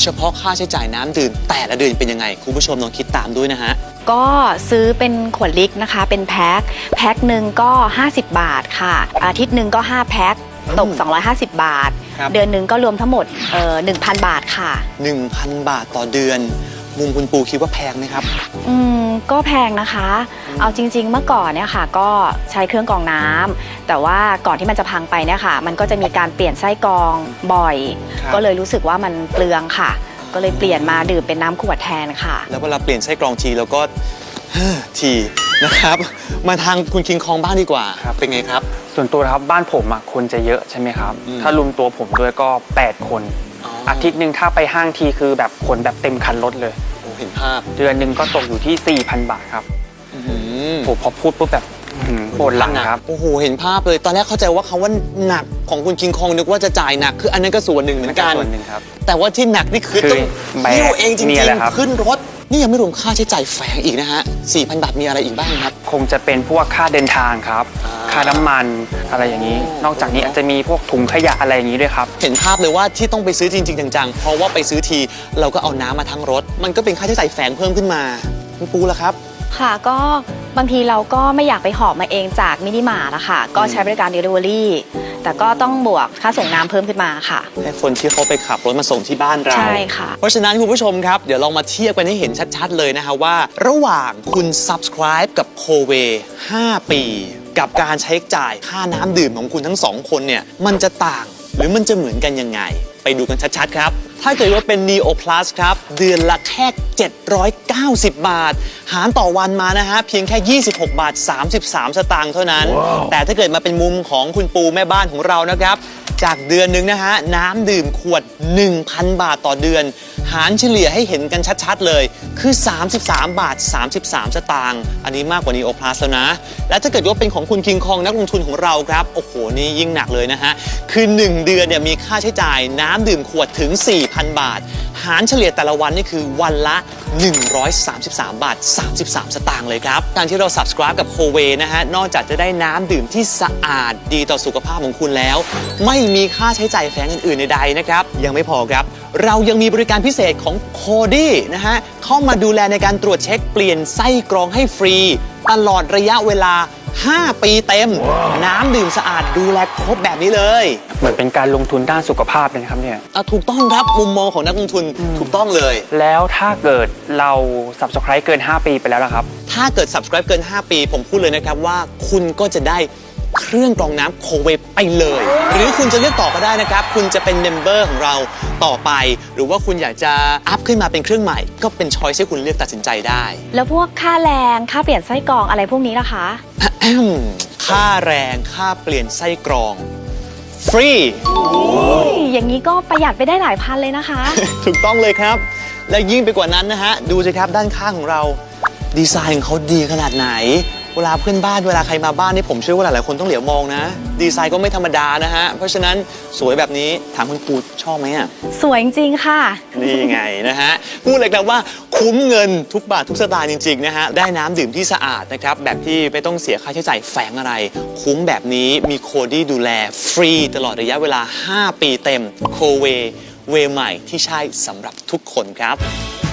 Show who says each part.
Speaker 1: เฉพาะค่าใช้จ่ายน้ำดื่มแต่ละเดือนเป็นยังไงคุณผู้ชมลองคิดตามด้วยนะฮะ
Speaker 2: ก็ซื้อเป็นขวดลิตรนะคะเป็นแพ็คหนึ่งก็50 บาทค่ะอาทิตย์หนึ่งก็5แพ็คตก250 บาทเดือนหนึ่งก็รวมทั้งหมด1,000 บาทค่ะ
Speaker 1: 1,000 บาทต่อเดือนมุมคุณปูคิดว่าแพงไหมครับ
Speaker 2: ก็แพงนะคะเอาจริงๆเมื่อก่อนเนี่ยค่ะก็ใช้เครื่องกรองน้ำแต่ว่าก่อนที่มันจะพังไปเนี่ยค่ะมันก็จะมีการเปลี่ยนไส้กรองบ่อยก็เลยรู้สึกว่ามันเปลืองค่ะก็เลยเปลี่ยนมาดื่มเป็นน้ำขวดแทนค่ะ
Speaker 1: แล้วเวลาเปลี่ยนไส้กรองทีเราก็ทีนะครับมาทางคุณคิงคองบ้างดีกว่าเป็นไงครับ
Speaker 3: ส่วนตัวครับบ้านผมคนจะเยอะใช่ไหมครับถ้ารวมตัวผมด้วยก็8 คนอาทิตย์หนึ่งถ้าไปห้างทีคือแบบคนแบบเต็มคันรถเลย
Speaker 1: เห็นภาพ
Speaker 3: เดือนหนึ่งก็ตกอยู่ที่ 4,000 บาทครับผมพอพูดปุ๊บแบบปวดหลังครับ
Speaker 1: โอ้โหเห็นภาพเลยตอนแรกเข้าใจว่าคำว่าหนักของคุณคิงคองนึกว่าจะจ่ายหนักคืออันนั้นก็ส่วนหนึ่งเหมือนกัน
Speaker 3: ส่วนหนึ่งครับ
Speaker 1: แต่ว่าที่หนักนี่คือต้องหิ้วเองจริงๆขึ้นรถนี่ยังไม่รวมค่าใช้จ่ายแฝงอีกนะฮะ 4,000 บาทมีอะไรอีกบ้างครับ
Speaker 3: คงจะเป็นพวกค่าเดินทางครับค่าน้ำมันอะไรอย่างนี้นอกจากนี้อาจจะมีพวกถุงขยะอะไรอย่างนี้ด้วยครับ
Speaker 1: เห็นภาพเลยว่าที่ต้องไปซื้อจริงๆจังๆเพราะว่าไปซื้อทีเราก็เอาน้ำมาทั้งรถมันก็เป็นค่าใช้จ่ายแฝงเพิ่มขึ้นมาคุณปูล่ะครับ
Speaker 2: ค่ะก็บางทีเราก็ไม่อยากไปหอบมาเองจากมินิมาร์ทนะคะก็ใช้บริการ Delivery แต่ก็ต้องบวกค่าส่งน้ำเพิ่มขึ้นมาค่ะ
Speaker 1: ให้คนที่เขาไปขับรถมาส่งที่บ้านเรา
Speaker 2: ใช่ค่ะ
Speaker 1: เพราะฉะนั้นคุณผู้ชมครับเดี๋ยวลองมาเทียบกันให้เห็นชัดๆเลยนะฮะว่าระหว่างคุณ subscribe กับ Coway 5 ปีกับการใช้จ่ายค่าน้ำดื่มของคุณทั้ง2คนเนี่ยมันจะต่างหรือมันจะเหมือนกันยังไงไปดูกันชัดๆครับถ้าเกิดว่าเป็น Neo Plus ครับเดือนละแค่790 บาทหารต่อวันมานะฮะเพียงแค่26 บาท 33 สตางค์เท่านั้น แต่ถ้าเกิดมาเป็นมุมของคุณปูแม่บ้านของเรานะครับจากเดือนนึงนะฮะน้ำดื่มขวด 1,000 บาทต่อเดือนหารเฉลี่ยให้เห็นกันชัดๆเลยคือ33 บาท 33 สตางค์อันนี้มากกว่า Neo Plus แล้วนะและถ้าเกิดว่าเป็นของคุณคิงคองนักลงทุนของเราครับโอ้โหนี่ยิ่งหนักเลยนะฮะคือ1เดือนเนี่ยมีค่าใช้จ่ายน้ำดื่มขวดถึง 4,000 บาทหารเฉลี่ยแต่ละวันนี่คือวันละ133 บาท 33 สตางค์เลยครับการที่เรา subscribe กับ Coway นะฮะนอกจากจะได้น้ำดื่มที่สะอาดดีต่อสุขภาพของคุณแล้วไม่มีค่าใช้จ่ายแฝงอื่นๆใดๆนะครับยังไม่พอครับเรายังมีบริการพิเศษของ Cody นะฮะเข้ามาดูแลในการตรวจเช็คเปลี่ยนไส้กรองให้ฟรีตลอดระยะเวลา5 ปีเต็มน้ำดื่มสะอาดดูแลครบแบบนี้เลย
Speaker 3: เหมือนเป็นการลงทุนด้านสุขภาพเลยครับเนี่ย
Speaker 1: ถูกต้องครับมุมมองของนักลงทุนถูกต้องเลย
Speaker 3: แล้วถ้าเกิดเรา subscribe เกิน5 ปีไปแล้วล่ะครับ
Speaker 1: ถ้าเกิด subscribe เกิน5 ปีผมพูดเลยนะครับว่าคุณก็จะได้เครื่องกรองน้ำ Coway ไปเลยหรือคุณจะเลือกต่อก็ได้นะครับคุณจะเป็นเมมเบอร์ของเราต่อไปหรือว่าคุณอยากจะอัพขึ้นมาเป็นเครื่องใหม่ก็เป็นช้อยส์ให้คุณเลือกตัดสินใจได้
Speaker 2: แล้วพวกค่าแรงค่าเปลี่ยนไส้กรองอะไรพวกนี้ล่ะคะ
Speaker 1: ค่าแรงค่าเปลี่ยนไส้กรองฟรี
Speaker 2: อย่างนี้ก็ประหยัดไปได้หลายพันเลยนะคะ
Speaker 1: ถูกต้องเลยครับและยิ่งไปกว่านั้นนะฮะดูสิครับด้านข้างของเราดีไซน์ของเขาดีขนาดไหนเวลาเพื่อนบ้านเวลาใครมาบ้านนี่ผมเชื่อว่าหลายๆคนต้องเหลียวมองนะดีไซน์ก็ไม่ธรรมดานะฮะเพราะฉะนั้นสวยแบบนี้ถามคุณปูชอบไหมอ่ะ
Speaker 2: สวยจริงค่ะ
Speaker 1: นี่ไงนะฮะพูดเลยครับว่าคุ้มเงินทุกบาททุกสตางค์จริงๆนะฮะได้น้ำดื่มที่สะอาดนะครับแบบที่ไม่ต้องเสียค่าใช้จ่ายแฝงอะไรคุ้มแบบนี้มีโคดี้ดูแลฟรีตลอดระยะเวลา5 ปีเต็มCowayเวใหม่ที่ใช่สำหรับทุกคนครับ